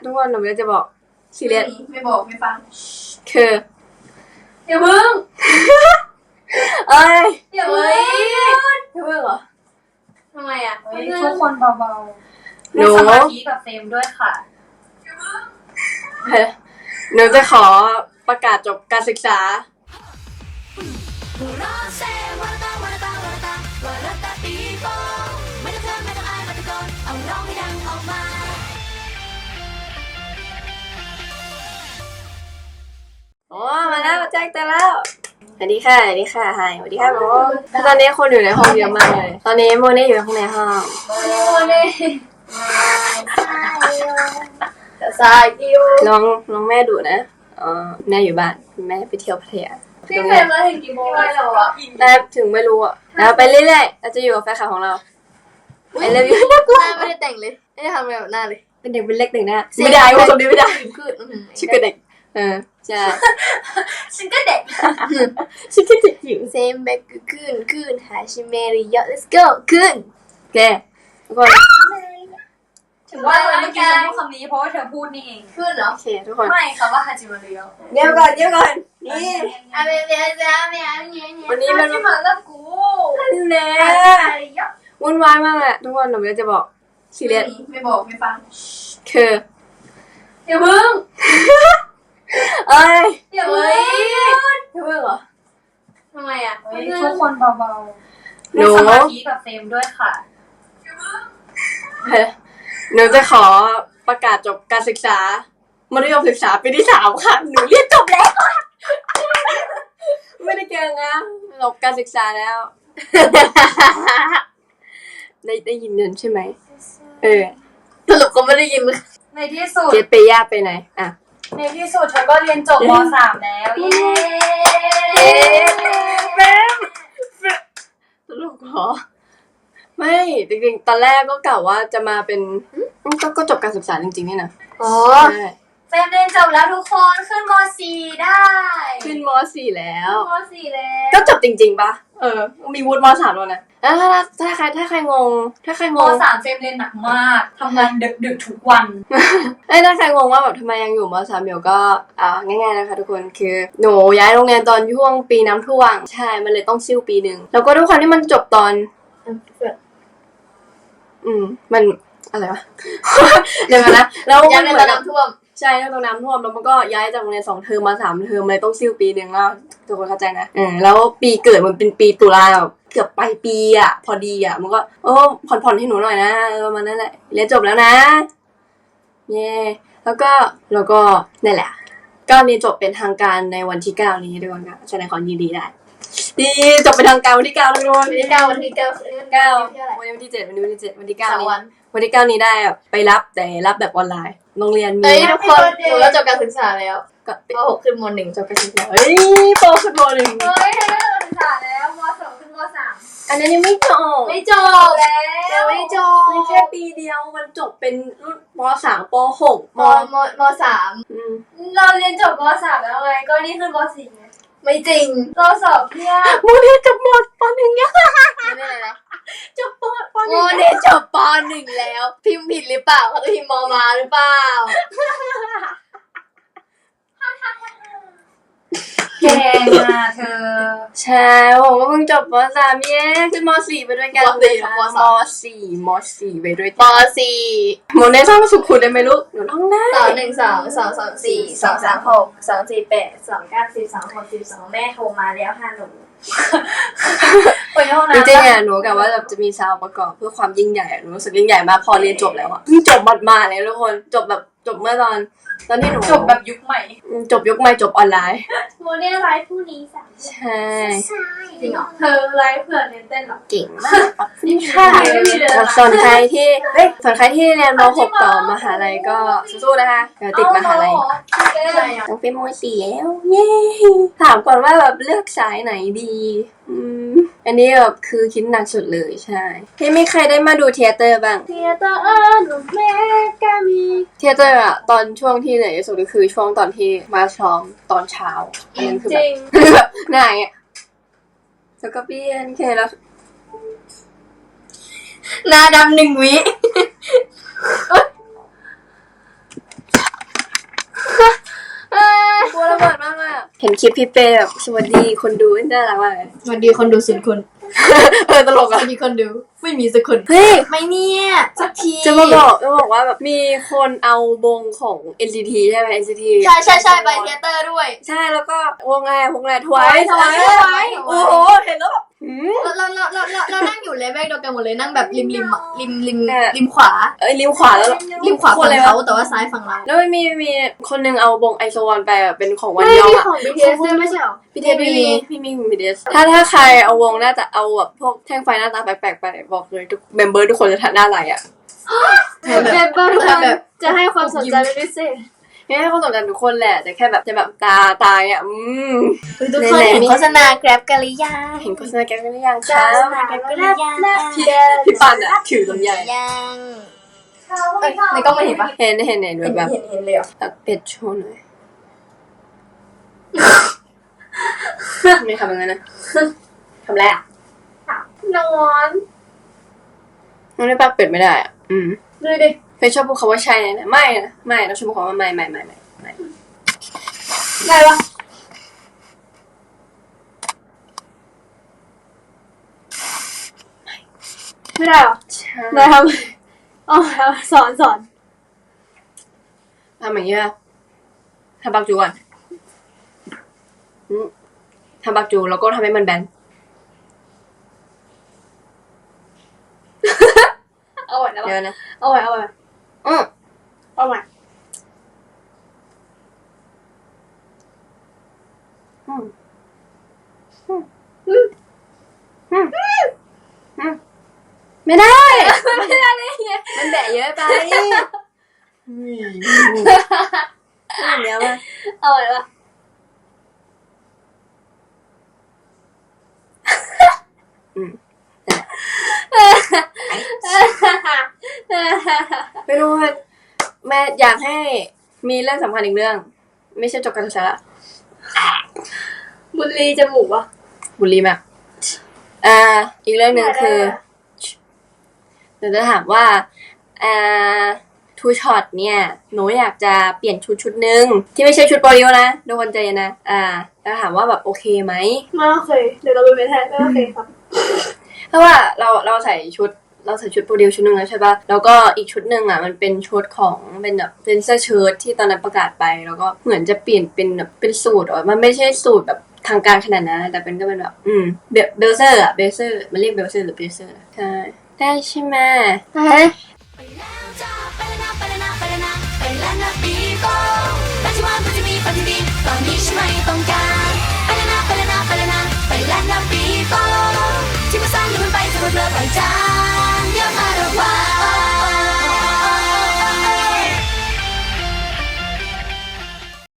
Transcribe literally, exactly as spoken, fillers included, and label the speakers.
Speaker 1: ทุกคนหนูจะบอกซีเรียส
Speaker 2: ไม่บอกไม่ฟัง
Speaker 1: คือ
Speaker 2: อย่าเพิ่ง
Speaker 1: เอ้ย
Speaker 2: อย่าเพิ่ง
Speaker 1: อย่าเพิ่งเหรอ
Speaker 2: ทำไมอ่ะ
Speaker 3: ทุกคนเบาๆ
Speaker 1: หนู
Speaker 3: สมาธิกับเฟรมด้วยค่ะ
Speaker 1: หนูจะขอประกาศจบการศึกษาโอ้มาแล้วแจ้งเตือนแล้วสวัสดีค่ะสวัสดีค่ะไฮสวัสดีค่ะโมตอนนี้คนอยู่ในห้องเยอะมากเลยตอนนี้โมเน่อยู่ข้างในห้อง
Speaker 2: โมเน่สายกิว
Speaker 1: น้องน้องแม่ดุนะอ๋อแม่อยู่บ้านแม่ไปเที่ยวพัทยา
Speaker 2: พี่เฟรมมาถึงกี่โมงแล้วอ่ะ
Speaker 1: ได้ถึงไม่รู้อ่ะแล้วไปเรื่อยๆเราจะอยู่กับแฟนคลับของเราไอ้เรื่องนี้
Speaker 2: น่ากลัวไม่ได้แต่งเลยไม่ได้ทำอะไรแบบหน้าเลย
Speaker 1: เป็นเด็กเป็นเล็กหนึ่งนะไม่ได้ว่าคนนี้ไม่ได้ชื่อก็เด็กเออใช่
Speaker 2: ฉันก็เด็ก
Speaker 1: ชื่อก็เด็กอยู่
Speaker 2: เซมเบกขึ้นขึ้นหาชิเมริยอ let's go ขึ้น
Speaker 1: แกทุกคน
Speaker 3: ถึงว่าเมื่อกี้ฉันพูดคำนี้เพราะว่าเธอพูดนี่เอง
Speaker 2: ขึ้นเหรอ
Speaker 1: โอเคทุกคน
Speaker 3: ไม่ค่ะว่าฮาจิมาริโอ
Speaker 1: เดี๋ยวก่อนเดี๋ยวก่อนนี่
Speaker 2: อ่ะเดี๋ยวจะไม่เอาเนี่ยเนี่ย
Speaker 1: วันนี้มัน
Speaker 2: ที่มาแล้วกู
Speaker 1: แน่วุ่นวายมากแหละทุกคนหนูจะบอกซีเรียส
Speaker 2: ไม่บอกไม่ฟัง
Speaker 1: คือ
Speaker 2: อย่าเพิ่ง
Speaker 1: เอ้ย
Speaker 2: อย่าเพิ่ง
Speaker 1: อย่าเพิ่งเหรอ
Speaker 2: ทำไมอ่ะ
Speaker 3: ทุกคนเบาๆ
Speaker 1: หนู
Speaker 3: สมาธิกับเฟรมด้วยค่ะ
Speaker 1: หนูจะขอประกาศจบการศึกษามัธยมศึกษาปีที่สามค่ะหนูเรียนจบแล้วไม่ได้เก่งนะจบการศึกษาแล้วได้ได้ยินเดินใช่ไหมเออ
Speaker 2: สรุปก็ไม่ได้ยิน
Speaker 3: ในที่สุด
Speaker 1: เจเปย่าไปไหนอ่ะ
Speaker 3: ในที่สุดเธอก็เรียนจบม.สาม แล้วเย้
Speaker 1: แม่สรุปขอไม่จริงๆตอนแรกก็กล่าวว่าจะมาเป็นก็ก็จบการศึกษาจริงๆนี่นะ
Speaker 2: อ๋อเฟรมเรียนจบแล้วทุกคนขึ้นม.สี่ ได้
Speaker 1: ขึ้นม.สี่ แล้ว
Speaker 2: ม.สี่ แล้ว
Speaker 1: ก็จบจริงๆปะเออมีวุฒิม.สาม แล้วนะแล้วถ้าถ้าใครถ้าใครงงถ้าใครงง
Speaker 3: ม.สาม เฟรมเรียนหนักมากทำงานดึกๆทุกวัน
Speaker 1: เอ้ยถ้าใครงงว่าแบบทำไมยังอยู่ม.สาม อยู่ก็อ่าง่ายๆนะคะทุกคนคือหนูย้ายโรงเรียนตอนช่วงปีน้ำท่วมใช่มันเลยต้องซิ่วปีนึงแล้วก็ทุกคนที่มันจบตอนอืมมันอะไรวะเดี๋ยวนะแล้ว
Speaker 2: มันเหมือนน้ำท่วม
Speaker 1: ใช่ตอนน้ำท่วมแล้วมันก็ย้ายจากโรงเรียนสองเทอมมาสามเทอมเลยต้องซิ่วปีนึงแล้วทุกคนเข้าใจนะเออแล้วปีเกิดมันเป็นปีตุลาเกือบปลายปีอ่ะพอดีอ่ะมันก็โอ้ผ่อนๆให้หนูหน่อยนะประมาณนั้นแหละเรียนจบแล้วนะเย่แล้วก็แล้วก็นั่นแหละก็เรียนจบเป็นทางการในวันที่เก้านี้ทุกคนค่ะแสดงความยินดีได้ดีจบเป็นทางการวันที่เก้าทุกคน
Speaker 2: วันที่เก้าวันที่เก้า
Speaker 1: เก้าวันนี้วันที่เจ็ดวันนี้วันที่เจ็ดวันที่เก้านี้วันที่เก้านี้ได้ไปรับแต่รับแบบออนไลน์โรงเรียนมี
Speaker 2: เฮ้ยทุกคนหนูก็จบการศึกษาแล้วก็ป.หกขึ้นม.หนึ่งจบการศึกษา
Speaker 1: เฮ้ยป.ขึ้นม.หนึ่ง
Speaker 2: เฮ้ยได้การศึกษาแล้วม.สองขึ้นม.สาม
Speaker 1: อันนี้ยังไม่จบ
Speaker 2: ไม่จบแล้วไม่จบ
Speaker 1: มันแค่ปีเดียวมันจบเป็นรุ่นม.สาม ป.หก
Speaker 2: ม.ม.ม.สามเราเรียนจบม.สามแล้วไงก็นี่ขึ้นม.สี่ไงไม่จริงเราสอบเพี้ย
Speaker 1: โมเดลจบม.ป.หนึ่งยัง
Speaker 2: ไม่ได้เลยนะ
Speaker 1: จบป.ป.ห
Speaker 2: นึ่งโมเดลจบป.หนึ่งแล้วพิมพ์ผิดหรือเปล่าเขาจะพิมพ์ม.มาหรือเปล่า
Speaker 3: แกมาเธอ
Speaker 1: ใช่ผมก็เพิ่งจบม.สามเย้ขึ้นม.สี่ไปด้วยกันเลยค่ะม.สี่ม.สี่ไปด้วย
Speaker 2: ม.สี่
Speaker 1: โมเดลชอบสุขุได้ไหมลูกหนูท่องได้
Speaker 2: สองหนึ่งสองสองสองสี่สองสามหกสองสี่แปดสองเก้าสิบสองหกสิบสองแม่โทรมาแล้วค่ะหนู
Speaker 1: จริงๆอ่ะหนูกะว่าจะมีซาวประกอบเพื่อความยิ่งใหญ่หนูรู้สึกยิ่งใหญ่มากพอเรียนจบแล้วอ่ะจบมาๆเลยทุกคนจบแบบจบเมื่อตอนตอนที่หนู
Speaker 3: จบแบบยุคใหม่
Speaker 1: จบยุคใหม่จบออนไลน์
Speaker 2: โมเดลไลฟ์ผู้นี้สาม
Speaker 1: ใช่
Speaker 2: จริงเหรอเธอไลฟ์เผื่อเรียนเต้นหรอ
Speaker 1: เก่งมากค่ะส่วนใครที่เฮ้ยส่วนใครที่เรียนม.หกต่อมหาลัยก็สู้ๆนะคะเดี๋ยวติดมหาลัยต้องเป็นม.สี่แล้วเย้ถามก่อนว่าแบบเลือกสายไหนดีอืมอันนี้แบบคือคิดหนักสุดเลยใช่ที่ไม่ใครได้มาดูเทเตอร์บ้าง
Speaker 2: เทเตอร์หนูแม่กามี
Speaker 1: เทเตอร์อะตอนช่วงที่ไหนสุดก็คือช่วงตอนที่มาซ้อมตอนเช้าอันนั้นคือแบบไหนอะแล้วก็เปลี่ยนแค่แล้ว
Speaker 2: หน้าดำหนึ่งวิ
Speaker 1: เห็นคลิปพี่เป้แบบสวัสดีคนดูน่ารักมากเลย
Speaker 2: สวัสดีคนดูศูนย์คน
Speaker 1: เออตลก
Speaker 2: ส
Speaker 1: อ่ะ
Speaker 2: วัสดีคนดูไม่มีสักคน
Speaker 1: เฮ้ย
Speaker 2: ไม่เนี่ยสักที
Speaker 1: จะมาบอกจะบอกว่าแบบมีคนเอาวงของ เอ็น ซี ที ใช่ไหม เอ็น ซี ที
Speaker 2: ใช่ใช่ใช่ไปเทเตอร์ด้วย
Speaker 1: ใช่แล้วก็วงอะไรวงอะไรทวาย
Speaker 2: Twice Twice
Speaker 1: โอ้โหเห็นแล้วแบบหืม
Speaker 2: เราเราเราเราเรานั่งอยู่เลเวลเดียวกันหมดเลยนั่งแบบริมริมอะริมริม
Speaker 1: เออ
Speaker 2: ริมขวา
Speaker 1: เอ้ยริมขวาแล้ว
Speaker 2: ริมขวา
Speaker 1: ค
Speaker 2: ฝั่
Speaker 1: น
Speaker 2: ง
Speaker 1: เลย
Speaker 2: เขา
Speaker 1: วะ
Speaker 2: แต่ว่าซ้ายฝั่งเรา
Speaker 1: แล้วมีมีมีคนหนึงเอาวงไอโซวันไปแบบเป็นของวัน
Speaker 2: ไม่
Speaker 1: ยอง
Speaker 2: มี
Speaker 1: อะ
Speaker 2: ของ บี ที เอส ด้วยไม่ใช่หรอ
Speaker 1: พีเทสไม่มีพี่มีพีเทสถ้าถ้าใครเอาวงน่าจะเอาแบบพวกแท่งไฟหน้าตาแปลกๆไปบอกเลยทุกเมมเบอร์ทุกคนจะหน้าไหลอ่ะ
Speaker 2: แบบแบบแบบ
Speaker 3: จะให้ความสนใจเป็นพิเศษ
Speaker 1: ให้เขาสนใจทุกคนแหละแต่แค่แบบจะแบบตาตาเนี่ยอืม
Speaker 2: ทุกคนเห็นโฆษณา Grab กันหรือยัง
Speaker 1: เห็นโฆษณาแกกันหรือยัง
Speaker 2: โฆ
Speaker 1: คะ
Speaker 2: ษณา Grab กันหรือยัง
Speaker 1: พี่พี่ปันอ่ะถือลำไย
Speaker 2: ยังเอ้ยในกล้องไม่เห็นปะ
Speaker 1: เห็นเห็นเห็นแบบแบบ
Speaker 2: เห็นเห็นเลยเหรอ
Speaker 1: ตัดเป็ดโชว์หน่อยไม่ทำอย่างนั้นนะทำไรอ่ะ
Speaker 2: นอน
Speaker 1: น้องได้ปากเป็ดไม่ได้อ่ะอืม
Speaker 2: ดูดิ
Speaker 1: เฟยชอบพูดคำว่าใช่นะไม่นะไม่เราชอบพูดคำว่าไม่ไม่ไม่ไม่ไม่
Speaker 2: ได้ปะไม่ได้หรอ
Speaker 1: ใช่
Speaker 2: ได้ทำอ๋อสอนสอน
Speaker 1: ทำอย่างนี้ป่ะทำปากจูก่อนอืมทำปากจูแล้วก็ทำให้มันแบน
Speaker 2: เอาไว้นะ
Speaker 1: เดี๋ยวนะ
Speaker 2: เอาไว้เอาไว้
Speaker 1: อืม
Speaker 2: เอาไว้
Speaker 1: อืมอืมอืมอืมอืมไม่ได้
Speaker 2: ไม่ได้เลยไง
Speaker 1: มันแบะเยอะไปอืมเดี๋ยวมา
Speaker 2: เอาไว้ปะ
Speaker 1: อืมไม่รู้ว่าแม่อยากให้มีเรื่องสำคัญอีกเรื่อง ไม่ใช่จบการศึกษาละ
Speaker 2: บุหรี่จมูกวะ
Speaker 1: บุรีมากอ่า อีกเรื่องหนึ่งคือเดี๋ยวจะถามว่าอ่าทูช็อตเนี่ยหนูอยากจะเปลี่ยนชุดชุดหนึ่งที่ไม่ใช่ชุดโปรดิวนะทุกคนใจเย็นนะอ่าแล้วถามว่าแบบโอเคไหม
Speaker 2: ไม่โอเคเดี๋ยวเราไปเป็นแทนไม่โอเคครับ
Speaker 1: เพราะว่าเราเราใส่ชุดเราใส่ชุดโปรดิวชุดหนึ่งแล้วใช่ปะแล้วก็อีกชุดหนึ่งอ่ะมันเป็นชุดของเป็นแบบเป็นเสื้อเชิ้ตที่ตอนนั้นประกาศไปแล้วก็เหมือนจะเปลี่ยนเป็นแบบเป็นสูตรอ่ะมันไม่ใช่สูตรแบบทางการขนาดนั้นแต่เป็นก็เป็นแบบอืมเบลเบลเซอร์อ่ะเบลเซอร์มันเรียกเบลเซอร์หรือเบลเซอร์ใช่ได้ใช่ไหม
Speaker 2: เฮ้ย
Speaker 4: ไปแล้วจ้าไปแล้วนะไปแล้วนะไปแล้วนะไปแล้วนะปีโป้ปัจจุบันปัจจุบันปัจจุบันตอนนี้ฉันไม่ต้องการ